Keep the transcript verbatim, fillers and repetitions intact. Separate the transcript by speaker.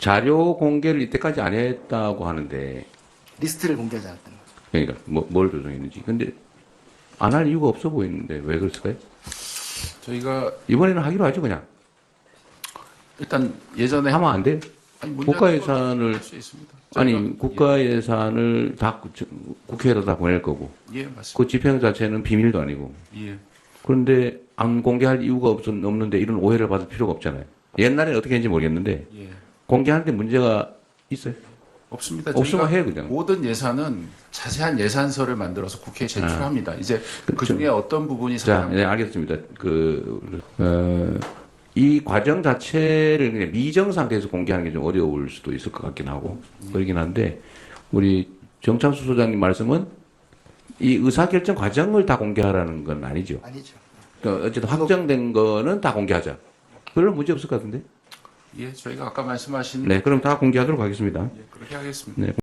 Speaker 1: 자료 공개를 이때까지 안 했다고 하는데,
Speaker 2: 리스트를 공개하지 않았다는 거죠.
Speaker 1: 그러니까 뭐, 뭘 조정했는지. 근데 안 할 이유가 없어 보이는데 왜 그랬을까요?
Speaker 3: 저희가
Speaker 1: 이번에는 하기로 하죠, 그냥.
Speaker 3: 일단 예전에
Speaker 1: 하면 안 돼?
Speaker 3: 아니, 문제가
Speaker 1: 국가 예산을,
Speaker 3: 수 있습니다.
Speaker 1: 아니,
Speaker 3: 저희가-
Speaker 1: 국가 예산을 다 국- 국회에다 다 보낼 거고,
Speaker 3: 예, 예 맞습니다.
Speaker 1: 그 집행 자체는 비밀도 아니고.
Speaker 3: 예.
Speaker 1: 그런데 안 공개할 이유가 없, 없는데 이런 오해를 받을 필요가 없잖아요. 옛날에는 어떻게 했는지 모르겠는데,
Speaker 3: 예.
Speaker 1: 공개하는데 문제가 있어요?
Speaker 3: 없습니다.
Speaker 1: 없으면
Speaker 3: 저희가
Speaker 1: 해, 그냥.
Speaker 3: 모든 예산은 자세한 예산서를 만들어서 국회에 제출합니다. 이제 그 중에 어떤 부분이
Speaker 1: 자,
Speaker 3: 사람
Speaker 1: 네, 알겠습니다. 그, 어, 이 과정 자체를 그냥 미정 상태에서 공개하는 게 좀 어려울 수도 있을 것 같긴 하고, 그러긴 한데, 우리 정창수 소장님 말씀은 이 의사결정 과정을 다 공개하라는 건 아니죠.
Speaker 2: 아니죠.
Speaker 1: 그러니까 어쨌든 확정된 거는 다 공개하자. 별로 문제 없을 것 같은데?
Speaker 3: 예, 저희가 아까 말씀하신
Speaker 1: 네, 그럼 다 공개하도록 하겠습니다.
Speaker 3: 예, 그렇게 하겠습니다.
Speaker 1: 네.